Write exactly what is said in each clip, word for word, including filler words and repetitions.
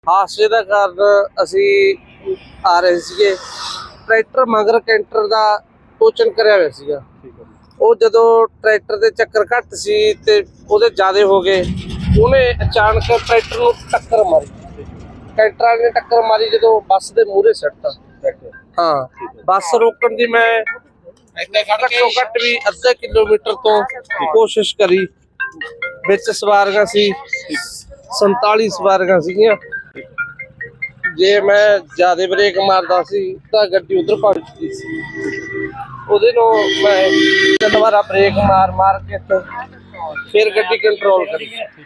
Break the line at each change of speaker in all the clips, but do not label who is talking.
ਹਾਦਸੇ ਦਾ ਕਾਰਨ ਅਸੀਂ ਆ ਰਹੇ ਸੀਗੇ, ਟਰੈਕਟਰ ਮਗਰ ਕੈਂਟਰ ਦਾ ਟੋਚਨ ਕਰਿਆ ਹੋਇਆ ਸੀਗਾ। ਉਹ ਜਦੋਂ ਟਰੈਕਟਰ ਦੇ ਚੱਕਰ ਘੱਟ ਸੀ ਤੇ ਉਹਦੇ ਜ਼ਿਆਦੇ ਹੋ ਗਏ, ਉਹਨੇ ਅਚਾਨਕ ਟਰੈਕਟਰ ਨੂੰ ਟੱਕਰ ਮਾਰੀ। ਕੈਂਟਰ ਵਾਲੇ ਨੇ ਟੱਕਰ ਮਾਰੀ ਜਦੋਂ ਬੱਸ ਦੇ ਮੂਹਰੇ ਸੱਟਤਾ। ਹਾਂ, ਬੱਸ ਰੋਕਣ ਦੀ ਮੈਂ ਘੱਟੋ ਘੱਟ ਵੀ ਅੱਧਾ ਕਿਲੋਮੀਟਰ ਤੋਂ ਕੋਸ਼ਿਸ਼ ਕਰੀ। ਵਿੱਚ ਸਵਾਰੀਆਂ ਸੀ, ਸੰਤਾਲੀ ਸਵਾਰੀਆਂ ਸੀਗੀਆਂ। ਜੇ ਮੈਂ ਜ਼ਿਆਦਾ ਬ੍ਰੇਕ ਮਾਰਦਾ ਸੀ ਤਾਂ ਗੱਡੀ ਉਧਰ ਪਲਟ ਚੁੱਕੀ ਸੀ। ਉਹਦੇ ਨੂੰ ਮੈਂ ਤਿੰਨ ਵਾਰ ਬ੍ਰੇਕ ਮਾਰ ਮਾਰ ਕੇ ਫਿਰ ਗੱਡੀ ਕੰਟਰੋਲ ਕਰੀ।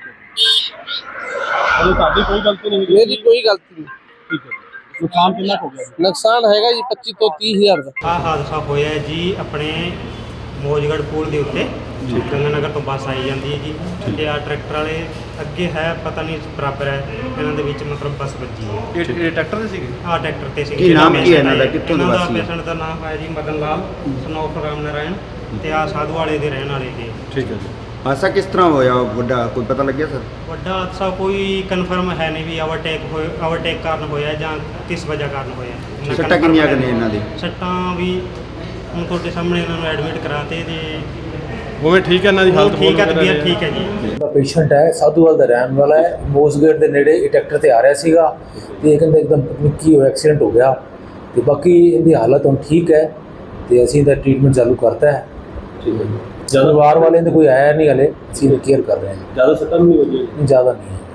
ਤੁਹਾਡੀ ਕੋਈ ਗਲਤੀ ਨਹੀਂ?
ਮੇਰੀ ਕੋਈ ਗਲਤੀ ਨਹੀਂ।
ਠੀਕ ਹੈ। ਨੁਕਸਾਨ ਕਿੰਨਾ ਹੋ ਗਿਆ?
ਨੁਕਸਾਨ ਹੈਗਾ ਜੀ ਪੱਚੀ ਤੋਂ ਤੀਹ ਹਜ਼ਾਰ ਦਾ।
ਆਹ ਹਾਦਸਾ ਹੋਇਆ ਜੀ ਆਪਣੇ ਮੋਜਗੜ੍ਹ ਪੁਲ ਦੇ ਉੱਤੇ। ਗੰਗਾ ਨਗਰ ਤੋਂ ਬੱਸ ਆਈ ਜਾਂਦੀ ਹੈ ਜੀ, ਤੇ ਆ ਟਰੈਕਟਰ ਵਾਲੇ ਅੱਗੇ ਹੈ, ਪਤਾ ਨਹੀਂ ਬਰਾਬਰ ਹੈ, ਇਹਨਾਂ ਦੇ ਵਿੱਚ ਮਤਲਬ ਬੱਸ ਵੱਜੀ ਹੈ।
ਇਹ ਟਰੈਕਟਰ ਦੇ ਸੀਗੇ?
ਆਹ ਟਰੈਕਟਰ ਤੇ ਸੀ।
ਕੀ ਨਾਮ ਕੀ ਹੈ ਇਹਨਾਂ ਦਾ, ਕਿੱਥੋਂ ਦੇ ਵਾਸੀ?
ਪੇਸ਼ੈਂਟ ਦਾ ਨਾਮ ਹੈ ਜੀ ਮਦਨ ਲਾਲ ਸਨੋਫ ਰਾਮ ਨਾਰਾਇਣ, ਤੇ ਆ ਸਾਧੂ ਵਾਲੇ ਦੇ ਰਹਿਣ ਵਾਲੇ ਜੀ।
ਠੀਕ ਹੈ ਜੀ।
ਹਾਦਸਾ ਕਿਸ ਤਰ੍ਹਾਂ ਹੋਇਆ ਵੱਡਾ, ਕੋਈ ਪਤਾ ਲੱਗਿਆ ਸਰ?
ਵੱਡਾ ਹਾਦਸਾ ਕੋਈ ਕਨਫਰਮ ਹੈ ਨਹੀਂ ਵੀ ਓਵਰਟੇਕ ਹੋਏ ਓਵਰਟੇਕ ਕਾਰਨ ਹੋਇਆ ਜਾਂ ਕਿਸ ਵਜ੍ਹਾ ਕਾਰਨ ਹੋਇਆ।
ਸੱਟਾਂ ਕਿੰਨੀਆਂ ਕੁ ਨੇ ਇਹਨਾਂ ਦੀ?
ਸੱਟਾਂ ਵੀ ਹੁਣ ਤੁਹਾਡੇ ਸਾਹਮਣੇ ਇਹਨਾਂ ਨੂੰ ਐਡਮਿਟ ਕਰਾਤੇ ਤੇ
ਉਵੇਂ ਠੀਕ ਹੈ, ਇਹਨਾਂ ਦੀ ਹਾਲਤ
ਠੀਕ ਹੈ, ਤਬੀਅਤ ਠੀਕ ਹੈ ਜੀ।
ਦਾ ਪੇਸ਼ੈਂਟ ਹੈ, ਸਾਧੂਵਾਲ ਦਾ ਰਹਿਣ ਵਾਲਾ ਹੈ। ਮੋਸਗੇਟ ਦੇ ਨੇੜੇ ਇਹ ਟਰੈਕਟਰ ਤੇ ਆ ਰਿਹਾ ਸੀਗਾ ਤੇ ਇਹ ਕਹਿੰਦਾ ਇੱਕਦਮ ਪਤਾ ਨਹੀਂ ਕੀ ਹੋਇਆ, ਐਕਸੀਡੈਂਟ ਹੋ ਗਿਆ। ਤੇ ਬਾਕੀ ਇਹਦੀ ਹਾਲਤ ਹੁਣ ਠੀਕ ਹੈ ਤੇ ਅਸੀਂ ਇਹਦਾ ਟ੍ਰੀਟਮੈਂਟ ਚਾਲੂ ਕਰਤਾ ਹੈ।
ਠੀਕ ਹੈ।
ਪਰਿਵਾਰ ਵਾਲਿਆਂ ਦੇ ਕੋਈ ਆਇਆ ਨਹੀਂ ਹਲੇ, ਅਸੀਂ ਕੇਅਰ ਕਰ ਰਹੇ ਹਾਂ।
ਜ਼ਿਆਦਾ ਸੱਟਾਂ ਨਹੀਂ ਵੱਜੀਆਂ?
ਜ਼ਿਆਦਾ ਨਹੀਂ।